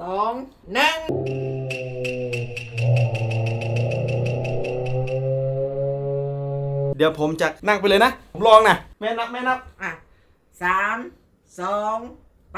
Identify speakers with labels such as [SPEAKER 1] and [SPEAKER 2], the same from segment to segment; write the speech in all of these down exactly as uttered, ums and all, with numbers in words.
[SPEAKER 1] องหนึ่ง
[SPEAKER 2] เดี๋ยวผมจะนั่งไปเลยนะผมลองนะแม่นับแม่นับ
[SPEAKER 1] อ่ะสามสองไป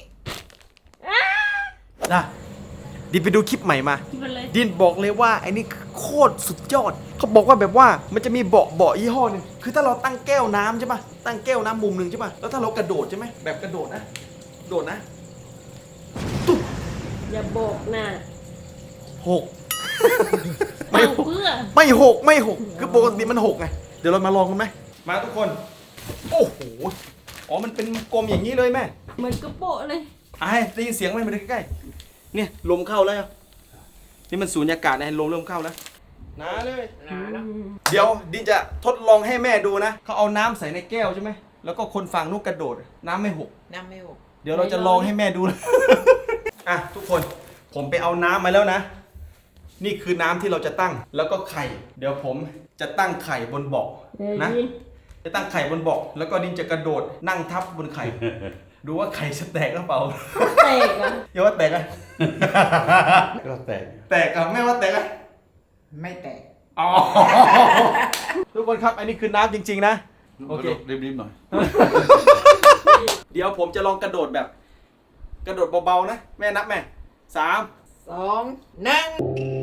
[SPEAKER 2] นะดินไปดูคลิปใหม่มา
[SPEAKER 3] เลย
[SPEAKER 2] ดินบอกเลยว่าไอ้นี่โคตรสุดยอดเขาบอกว่าแบบว่ามันจะมีเบาะเบาะยี่ห้อหนึงคือถ้าเราตั้งแก้วน้ำใช่ปะตั้งแก้วน้ำมุมหนึ่งใช่ปะแล้วถ้าเรากระโดดใช่ไหมแบบกระโดดนะโดดนะตุ๊บ
[SPEAKER 3] อย่าโบกนะ
[SPEAKER 2] หก
[SPEAKER 3] ไม่เพื่อ
[SPEAKER 2] ไม่หกไม่หกคือปกติมันหกไงเดี๋ยวเรามาลองกันไหมมาทุกคนโอ้โหอ๋อมันเป็นกลมอย่างนี้เลยแม่
[SPEAKER 3] เหมือนกระโปะเลย
[SPEAKER 2] ไอ้ได้ยินเสียงไหมมาดูใกล้ๆเนี่ยลมเข้าแล้วนี่มันสูญญากาศนะลมเริ่มเข้าแล้วหนาเลย
[SPEAKER 1] หนาแล้ว
[SPEAKER 2] เดี๋ยวดินจะทดลองให้แม่ดูนะเขาเอาน้ำใส่ในแก้วใช่ไหมแล้วก็คนฝั่งนู้นกระโดดน้ำไม่หก
[SPEAKER 1] น้ำไม่หก
[SPEAKER 2] เดี๋ยวเราจะลองให้แม่ดูนะ อ่ะทุกคนผมไปเอาน้ำมาแล้วนะ นี่คือน้ำที่เราจะตั้งแล้วก็ไข่ เดี๋ยวผมจะตั้งไข่บนเบาะนะ จะตั้งไข่บนเบาะแล้วก็ดินจะกระโดดนั่งทับบนไข่ ดูว่าไข่จะแตกหรือเปล่า
[SPEAKER 3] แตกอ่ะ
[SPEAKER 2] อย่าว่าแตกอะ
[SPEAKER 4] ก็แตก
[SPEAKER 2] แตกอะแม่ว่าแตกอะ
[SPEAKER 1] ไม่แตก
[SPEAKER 2] อ๋อ ทุกคนครับอันนี้คือน้ำจริงๆนะโอเค
[SPEAKER 4] รีบๆหน่อย
[SPEAKER 2] เดี๋ยวผมจะลองกระโดดแบบ กระโดดเบาๆนะแม่นับแม่สาม
[SPEAKER 1] สองหนึ่ง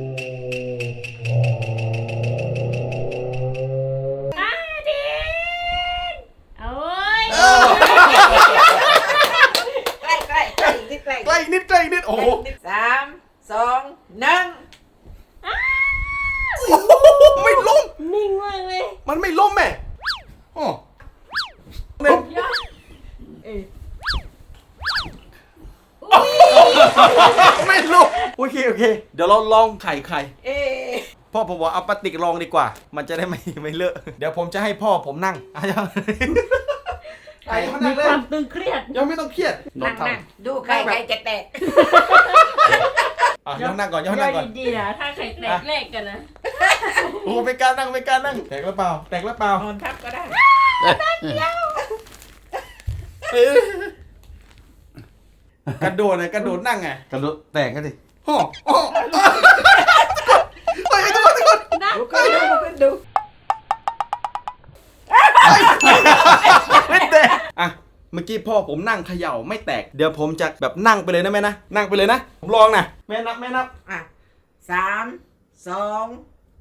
[SPEAKER 3] อาดินโอ้ย
[SPEAKER 1] ใกล้ใกล้ใกล้อีกนิดใกล้
[SPEAKER 2] ใกล้อีกนิดใกล้อีกนิดโอ้โห
[SPEAKER 1] สามสองหนึ่ง
[SPEAKER 2] ไม่ล้ม
[SPEAKER 3] นิ่งมากเลย
[SPEAKER 2] มันไม่ล้มแม่โอ้เนี่ย
[SPEAKER 3] ยอดเอ้ย
[SPEAKER 2] ไม่ล้มโอเคโอเค เดี๋ยวเราลองไข่ไข่
[SPEAKER 1] เอ๊ะ
[SPEAKER 2] พ่อผมบอกเอาปลาติกลองดีกว่า มันจะได้ไม่ไม่เลอะเดี๋ยวผมจะให้พ่อผมนั่งอ่ะยังไข่เขา
[SPEAKER 3] มี
[SPEAKER 2] นั่งเล
[SPEAKER 3] ค
[SPEAKER 2] ยว
[SPEAKER 3] ามตึงเครียด
[SPEAKER 2] ยังไม่ต้องเครียด
[SPEAKER 1] นั่งนั่งดูใครใครจะแตก
[SPEAKER 2] อ่ะย้อนนั่งก่อนย้อนนั่งก่อน
[SPEAKER 3] ดีๆนะถ้าใครแตกแรกกันนะ
[SPEAKER 2] โอ้ไม่กล้านั่งไม่กล้านั่งแตกแล้วเปล่าแตกแล้วเปล่าน
[SPEAKER 1] อนทับก็ได้
[SPEAKER 2] เอ้ยกระโดดเลยกระโดดนั่งไง
[SPEAKER 4] กระโดดแตกกันดิ
[SPEAKER 2] โอ้โอ้เฮ้ยทุกคนทุกคน
[SPEAKER 3] นะ
[SPEAKER 1] ดูขึ้นดูขึ้นดู
[SPEAKER 2] ไม่แตกอ่ะเมื่อกี้พ่อผมนั่งเขย่าไม่แตกเดี๋ยวผมจะแบบนั่งไปเลยนะแม่นะนั่งไปเลยนะผมลองนะแม่นับแม่นับ
[SPEAKER 1] อ่ะสามสองไป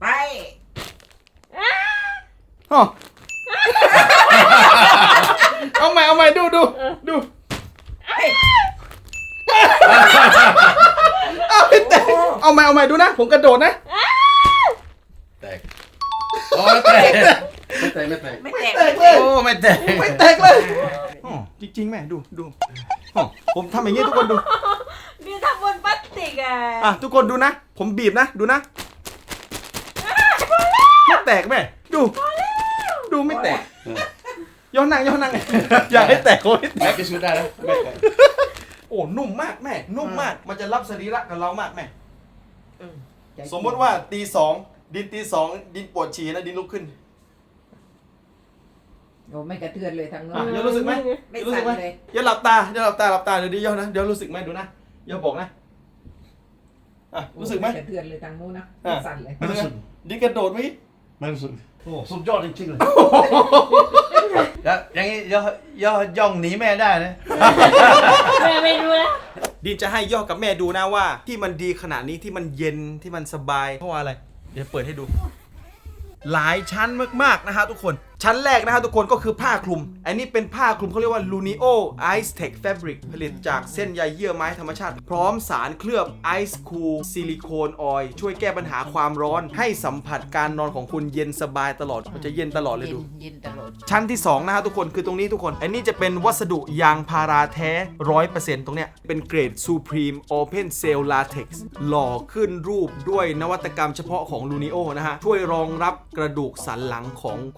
[SPEAKER 2] อ๋อเอาใหม่เอาใหม่ดูดูดู
[SPEAKER 1] เฮ้ย
[SPEAKER 2] เอาไม่แตกเอาใหม่เอาใหม่ดูนะผมกระโดดนะ
[SPEAKER 4] แตกโอ้ไม่แตกไม่แตกไม่แตก
[SPEAKER 1] ไม่แตก
[SPEAKER 2] แตกเลย
[SPEAKER 4] โอ้ไม่แตก
[SPEAKER 2] ไม่แตกเลยอ๋อจริงๆแม่ดูดูอ๋อผมทำอย่างนี้ทุกคนดู
[SPEAKER 3] มีทำบนพลาสติกอ่ะ
[SPEAKER 2] อ่ะทุกคนดูนะ ผมบีบนะดูนะไม่แตกแม่ดูดูไม่แตกย้อนนั่งย้อนนั่งอย่าให้แตกโอ้ย
[SPEAKER 4] แตกที่สุดได้แล้วไม่แตก
[SPEAKER 2] โอ้นุ่มมากแม่นุ่มมากมันจะรับสรีระกับเรามากแม่
[SPEAKER 1] อืม
[SPEAKER 2] สมมติว่าตีสองดินตีสองดินปวดฉี่นะดินลุกขึ้น
[SPEAKER 1] โอ้ไม่กระเทือนเลยทางโน้
[SPEAKER 2] อ่ะ
[SPEAKER 1] น
[SPEAKER 2] เดี๋ยวรู้สึกไหม
[SPEAKER 1] ไม่
[SPEAKER 2] รู้สึ
[SPEAKER 1] สั่
[SPEAKER 2] ก
[SPEAKER 1] น
[SPEAKER 2] ไหม
[SPEAKER 1] เลย
[SPEAKER 2] อย่าหลับตาอย่าหลับตาหลับตาเดี๋ยวดิย่อนะเดี๋ยวรู้สึกไหมดูนะอย่าบอกนะอ่ะรู้สึกไหม
[SPEAKER 1] กระเทือนเลยทางโน้นนะ
[SPEAKER 2] อ่ะ
[SPEAKER 1] ไม่สั่นเลย
[SPEAKER 2] รู้สึกไหมดินกระโดดไหม
[SPEAKER 4] ไม่รู้สึกโอ้สุดยอดจริงๆเลยแล้วอย่างนี้ย่อย่อย่องหนีแม่ได้นะ
[SPEAKER 3] แม่ไม่รู้แล้ว
[SPEAKER 2] ดินจะให้ย่อกับแม่ดูนะว่า ที่มันดีขนาดนี้ที่มันเย็นที่มันสบายเพราะว่าอะไรเดี๋ยวเปิดให้ดู หลายชั้นมากๆนะฮะทุกคน ชั้นแรกนะฮะทุกคนก็คือผ้าคลุม อันนี้เป็นผ้าคลุมเขาเรียกว่า Lunio Ice Tech Fabric ผลิตจากเส้นใยเยื่อไม้ธรรมชาติ พร้อมสารเคลือบ Ice Cool Silicone Oil ช่วยแก้ปัญหาความร้อน ให้สัมผัสการนอนของคุณเย็นสบายตลอดมันจะเย็นตลอดเลย
[SPEAKER 1] เย็น
[SPEAKER 2] ดู
[SPEAKER 1] เย็นตลอด
[SPEAKER 2] ชั้นที่สองนะฮะทุกคนคือตรงนี้ทุกคน อันนี้จะเป็นวัสดุยางพาราแท้ ร้อยเปอร์เซ็นต์ ตรงเนี้ยเป็นเกรด Supreme Open Cell Latex หล่อขึ้นรูปด้วยนวัตกรรมเฉพาะของ Lunio นะฮะ ช่วยรองรับกระดูกสันหลังของคนที่นอน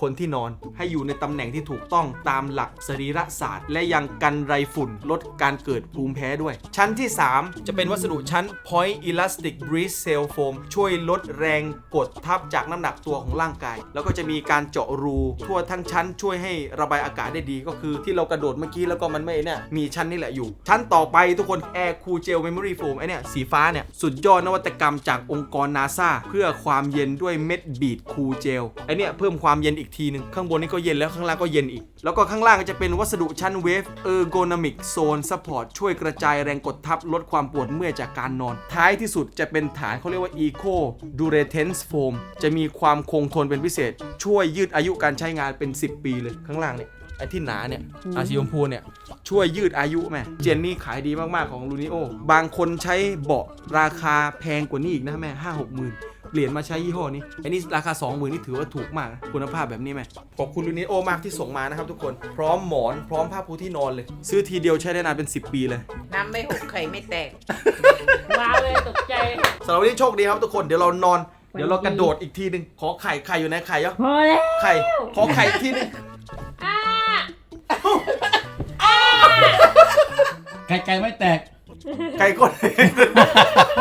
[SPEAKER 2] อนให้อยู่ในตำแหน่งที่ถูกต้องตามหลักสรีรศาสตร์ และยังกันไรฝุ่นลดการเกิดภูมิแพ้ด้วยชั้นที่สามจะเป็นวัสดุชั้น Point Elastic Breeze Cell Foam ช่วยลดแรงกดทับจากน้ำหนักตัวของร่างกายแล้วก็จะมีการเจาะรูทั่วทั้งชั้นช่วยให้ระบายอากาศได้ดีก็คือที่เรากระโดดเมื่อกี้แล้วก็มันไม่เนี่ยมีชั้นนี่แหละอยู่ชั้นต่อไปทุกคน Air Cool Gel Memory Foam ไอเนี่ยสีฟ้าเนี่ยสุดยอดนวัตกรรมจากองค์กร NASA เพื่อความเย็นด้วยเม็ดบีดคูลเจลไอเนี่ยเพิ่มความเย็นอีกทีนึงข้างบนนี่ก็เย็นแล้วข้างล่างก็เย็นอีกแล้วก็ข้างล่างก็จะเป็นวัสดุชั้น Wave Ergonomic Zone Support ช่วยกระจายแรงกดทับลดความปวดเมื่อยจากการนอนท้ายที่สุดจะเป็นฐานเขาเรียกว่า Eco Durance Foam จะมีความคงทนเป็นพิเศษช่วยยืดอายุการใช้งานเป็นสิบปีเลยข้างล่างเนี่ยไอ้ที่หนาเนี่ยอาสีชมพูเนี่ยช่วยยืดอายุแม่เจนนี่ขายดีมากๆของลูนิโอบางคนใช้เบาะราคาแพงกว่านี้อีกนะแม่ห้าหกหมื่นเปลี่ยนมาใช้ยี่ห้อนี้ไอ้นี่ราคา สองหมื่น นี่ถือว่าถูกมากนะคุณภาพแบบนี้ไหมขอบคุณลูนิโอมากที่ส่งมานะครับทุกคนพร้อมหมอนพร้อมผ้าปูที่นอนเลยซื้อทีเดียวใช้ได้นานเป็นสิบปีเลย
[SPEAKER 1] น้ำไม่หกไข่ไม่แตก
[SPEAKER 3] ว้าวเลยตกใจ
[SPEAKER 2] สำหรับวันนี้โชคดีครับทุกคนเดี๋ยวเรานอนเดี๋ยวเรากระโดดอีกทีหนึงขอไข่ไข่อยู่ไหนไข่เยอะ
[SPEAKER 3] พอแล้ว
[SPEAKER 2] ไข่ขอไข่อีกทีหนึง
[SPEAKER 3] อ่า
[SPEAKER 4] ไก่ไก่ไม่แตก
[SPEAKER 2] ไก่ก่อน